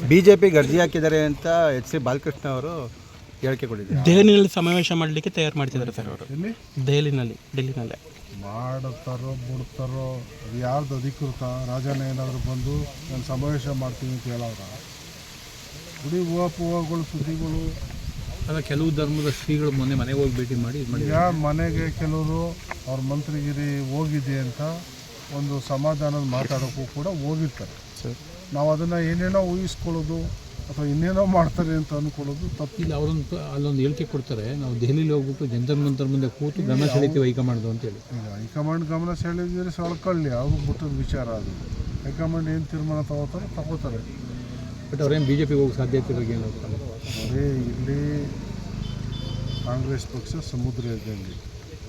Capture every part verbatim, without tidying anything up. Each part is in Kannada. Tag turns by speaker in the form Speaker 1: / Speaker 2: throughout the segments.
Speaker 1: ಬಿ ಜೆ ಪಿ ಗರ್ಜಿ ಹಾಕಿದ್ದಾರೆ ಅಂತ ಎಚ್ ಸಿ ಬಾಲಕೃಷ್ಣ ಅವರು ಹೇಳಿಕೆ ಕೊಟ್ಟಿದ್ದಾರೆ.
Speaker 2: ದೆಹಲಿನಲ್ಲಿ ಸಮಾವೇಶ ಮಾಡಲಿಕ್ಕೆ ತಯಾರು ಮಾಡ್ತಿದ್ದಾರೆ ಸರ್ ಅವರು.
Speaker 3: ಎಲ್ಲಿ
Speaker 2: ದೆಹಲಿನಲ್ಲಿ ಡೆಲ್ಲಿನಲ್ಲೇ
Speaker 3: ಮಾಡುತ್ತಾರೋ ಬಿಡ್ತಾರೋ ಅದು ಯಾರ್ದು ಅಧಿಕೃತ? ರಾಜನ ಏನಾದರೂ ಬಂದು ನಾನು ಸಮಾವೇಶ ಮಾಡ್ತೀನಿ ಅಂತ ಹೇಳೋರ ಗುಡಿ ಹೂವು ಸುದ್ದಿಗಳು.
Speaker 4: ಅಲ್ಲ, ಕೆಲವು ಧರ್ಮದ ಶ್ರೀಗಳು ಮೊನ್ನೆ ಮನೆಗೆ ಹೋಗಿ ಭೇಟಿ ಮಾಡಿ ಇದು ಮಾಡಿ
Speaker 3: ಯಾವ ಮನೆಗೆ ಕೆಲವರು ಅವ್ರ ಮಂತ್ರಿಗಿರಿ ಹೋಗಿದೆ ಅಂತ ಒಂದು ಸಮಾಧಾನದ ಮಾತಾಡೋಕ್ಕೂ ಕೂಡ ಹೋಗಿರ್ತಾರೆ. ನಾವು ಅದನ್ನು ಏನೇನೋ ಊಹಿಸ್ಕೊಳ್ಳೋದು ಅಥವಾ ಇನ್ನೇನೋ ಮಾಡ್ತಾರೆ ಅಂತ ಅಂದ್ಕೊಳ್ಳೋದು ತಪ್ಪು.
Speaker 4: ಇಲ್ಲ, ಅವರೊಂದು ಅಲ್ಲೊಂದು ಹೇಳಿಕೆ ಕೊಡ್ತಾರೆ, ನಾವು ದೆಹಲಿಲಿ ಹೋಗ್ಬಿಟ್ಟು ಜಂತರ್ ಮಂತರ್ ಮುಂದೆ ಕೂತು ಗಮನ ಸೆಳೀತೀವಿ ಹೈಕಮಾಂಡ್ ಅಂತೇಳಿ.
Speaker 3: ಈಗ ಹೈಕಮಾಂಡ್ ಗಮನ ಸೆಳೆದಿದ್ರೆ ಸೊಳ್ಕೊಳ್ಳಿ, ಅವ್ರಿಗೆ ಬಿಟ್ಟದ ವಿಚಾರ ಅದು. ಹೈಕಮಾಂಡ್ ಏನು ತೀರ್ಮಾನ ತಗೋತಾರೋ ತಗೋತಾರೆ.
Speaker 4: ಬಟ್ ಅವ್ರೇನು ಬಿ ಜೆ ಪಿಗೆ ಹೋಗೋ ಸಾಧ್ಯತೆ ಬಗ್ಗೆ ಏನು ಹೋಗ್ತಾರೆ?
Speaker 3: ಅದೇ ಇಲ್ಲಿ ಕಾಂಗ್ರೆಸ್ ಪಕ್ಷ ಸಮುದ್ರ ಇದ್ದಂಗೆ,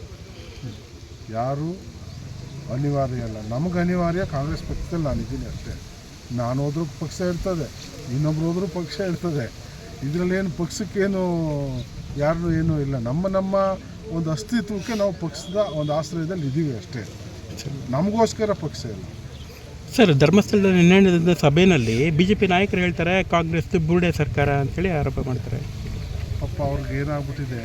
Speaker 3: ಯಾರು ಅನಿವಾರ್ಯ ಅಲ್ಲ. ನಮಗೆ ಅನಿವಾರ್ಯ ಕಾಂಗ್ರೆಸ್ ಪಕ್ಷದಲ್ಲಿ ನಾನಿದ್ದೀನಿ ಅಷ್ಟೇ. ನಾನು ಹೋದ್ರೂ ಪಕ್ಷ ಇರ್ತದೆ, ಇನ್ನೊಬ್ರು ಹೋದ್ರೂ ಪಕ್ಷ ಇರ್ತದೆ. ಇದರಲ್ಲೇನು ಪಕ್ಷಕ್ಕೇನು ಯಾರು ಏನೂ ಇಲ್ಲ. ನಮ್ಮ ನಮ್ಮ ಒಂದು ಅಸ್ತಿತ್ವಕ್ಕೆ ನಾವು ಪಕ್ಷದ ಒಂದು ಆಶ್ರಯದಲ್ಲಿ ಇದ್ದೀವಿ ಅಷ್ಟೇ. ನಮಗೋಸ್ಕರ ಪಕ್ಷ ಇಲ್ಲ.
Speaker 2: ಸರ್, ಧರ್ಮಸ್ಥಳದ ನಿನ್ನೆ ನಡೆದ ಸಭೆಯಲ್ಲಿ ಬಿ ಜೆ ಪಿ ನಾಯಕರು ಹೇಳ್ತಾರೆ ಕಾಂಗ್ರೆಸ್ ಬುರುಡೆ ಸರ್ಕಾರ ಅಂತೇಳಿ ಆರೋಪ ಮಾಡ್ತಾರೆ.
Speaker 3: ಪಾಪ ಅವ್ರಿಗೆ ಏನಾಗ್ಬಿಟ್ಟಿದೆ,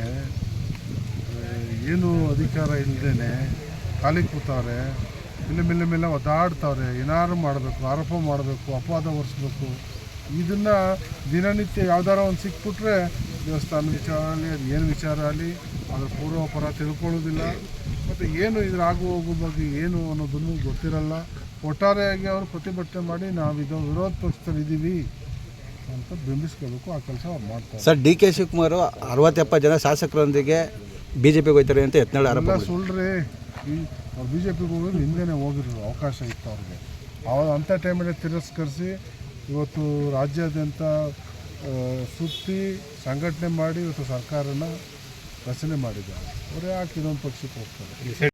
Speaker 3: ಏನು ಅಧಿಕಾರ ಇಲ್ಲದೇ ಖಾಲಿ ಕೂತವ್ರೆ. ಮೇಲೆ ಮೇಲೆ ಮೇಲೆ ಒದ್ದಾಡ್ತವ್ರೆ. ಏನಾದ್ರು ಮಾಡಬೇಕು, ಆರೋಪ ಮಾಡಬೇಕು, ಅಪವಾದ ಹೊರಿಸ್ಬೇಕು. ಇದನ್ನು ದಿನನಿತ್ಯ ಯಾವ್ದಾರ ಒಂದು ಸಿಕ್ಬಿಟ್ರೆ ದೇವಸ್ಥಾನ ವಿಚಾರ ಆಗಲಿ, ಅದು ಏನು ವಿಚಾರ ಆಗಲಿ ಅದ್ರ ಪೂರ್ವಪರ ತಿಳ್ಕೊಳ್ಳೋದಿಲ್ಲ. ಮತ್ತು ಏನು ಇದ್ರ ಆಗು ಹೋಗೋ ಬಗ್ಗೆ ಏನು ಅನ್ನೋದನ್ನು ಗೊತ್ತಿರಲ್ಲ. ಒಟ್ಟಾರೆಯಾಗಿ ಅವರು ಪ್ರತಿಭಟನೆ ಮಾಡಿ ನಾವು ಇದು ವಿರೋಧ ಪಕ್ಷದಲ್ಲಿ ಇದ್ದೀವಿ ಅಂತ ಬಿಂಬಿಸ್ಕೋಬೇಕು. ಆ ಕೆಲಸ ಅವ್ರು ಮಾಡ್ತಾರೆ.
Speaker 1: ಸರ್, ಡಿ ಕೆ ಶಿವಕುಮಾರ್ ಅರವತ್ತೆಪ್ಪತ್ತು ಜನ ಶಾಸಕರೊಂದಿಗೆ ಬಿ ಜೆ ಪಿಗೆ ಹೋಗ್ತಾರೆ ಅಂತ ಯತ್ನಾಳ್ ಆರೋಪ
Speaker 3: ಎಲ್ಲ ಸುಳ್ಳ್ರಿ. ಈ ಅವ್ರು ಬಿ ಜೆ ಪಿಗೆ ಹೋಗೋದು ಹಿಂದೆನೇ ಹೋಗಿರೋ ಅವಕಾಶ ಇತ್ತು ಅವ್ರಿಗೆ. ಅವಾಗ ಅಂಥ ಟೈಮಲ್ಲಿ ತಿರಸ್ಕರಿಸಿ ಇವತ್ತು ರಾಜ್ಯಾದ್ಯಂತ ಸುತ್ತಿ ಸಂಘಟನೆ ಮಾಡಿ ಇವತ್ತು ಸರ್ಕಾರನ ರಚನೆ ಮಾಡಿದ್ದಾರೆ. ಅವರೇ ಯಾಕೆ ಇನ್ನೊಂದು ಪಕ್ಷಕ್ಕೆ ಹೋಗ್ತಾರೆ?